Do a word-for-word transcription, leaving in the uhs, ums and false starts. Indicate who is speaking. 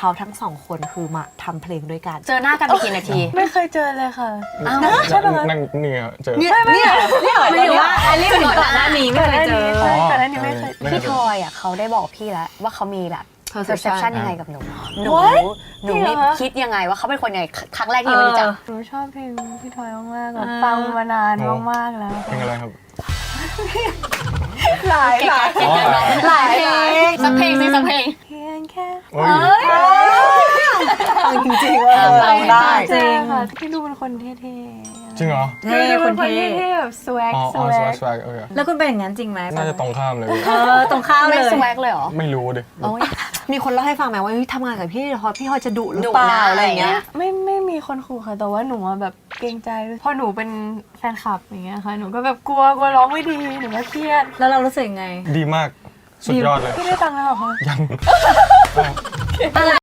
Speaker 1: เขาทั้งสองคนคือมาทำเพลงด้วยกัน
Speaker 2: เจอหน้ากันไปกี่นาที
Speaker 3: ไม่เคยเจอเลยค่ะ
Speaker 2: อ้าว
Speaker 3: ใช่ปะคะ
Speaker 4: นั่งเนี่ยเจอ
Speaker 1: เนี่ยเนี่ยเนี่ย
Speaker 2: ไม่รู้ว่าไอรีบก่อนหน้านี้ไม่เคยเจอ
Speaker 3: ใช่ก่อนหน้านี้ไม่เคย
Speaker 2: พี่ทอยอ่ะเขาได้บอกพี่แล้วว่าเขามีแบบ perception ยังไงกับหนูหนู
Speaker 3: What?
Speaker 2: หนูไม่คิดยังไงว่าเขาเป็นคนยังไงครั้งแรกที่ไม่รู้จัก
Speaker 3: หนูชอบเพลงพี่ทอยมากๆแบบฟังมานานมากๆแล้ว
Speaker 4: เพลงอะไรครับ
Speaker 3: หลายหลาย
Speaker 4: อ๋อ
Speaker 2: หลายเพลงสักเพลงสิสักเพลง
Speaker 3: เพียงแค่
Speaker 4: โอ้ย
Speaker 1: จริงๆว่าเราได้
Speaker 3: จริงค่ะพี่ดูเป็นคนเท่ๆ
Speaker 4: จริงเหรอ
Speaker 3: เท่คนเท่แบบสวัก
Speaker 4: อ๋อ
Speaker 3: ส
Speaker 4: อ๋อ
Speaker 3: วั
Speaker 4: สวั
Speaker 3: ก
Speaker 4: กสวักโอเค
Speaker 1: แล้วคุณเป็นอย่างนั้นจริงไหม
Speaker 4: น่าจะตรงข้ามเลย
Speaker 1: เออตรงข้าม
Speaker 2: ไม่
Speaker 1: เลย
Speaker 2: สวักเลยเหรอ
Speaker 4: ไม่รู้ดิ
Speaker 2: โอ้ย
Speaker 1: มีคนเล่าให้ฟังไหมว่าเฮ้ยทำงานกับพี่ทอยพี่ทอยจะดุหรือ
Speaker 2: ดุ
Speaker 1: เปล่า
Speaker 2: นะ
Speaker 1: อะไรอย่างเงี้ย
Speaker 3: ไม่ไม่มีคนขู่ค่ะแต่ว่าหนูอะแบบเกรงใจพอหนูเป็นแฟนคลับอย่างเงี้ยค่ะหนูก็แบบกลัวกลัวร้องไม่ดีหนูก็เครียด
Speaker 1: แล้วเรารู้สึกยังไง
Speaker 4: ดีมากสุดยอดเลย
Speaker 3: พี่ได้ตังค์แล้วเหรอคะ
Speaker 4: ยัง
Speaker 1: อะไร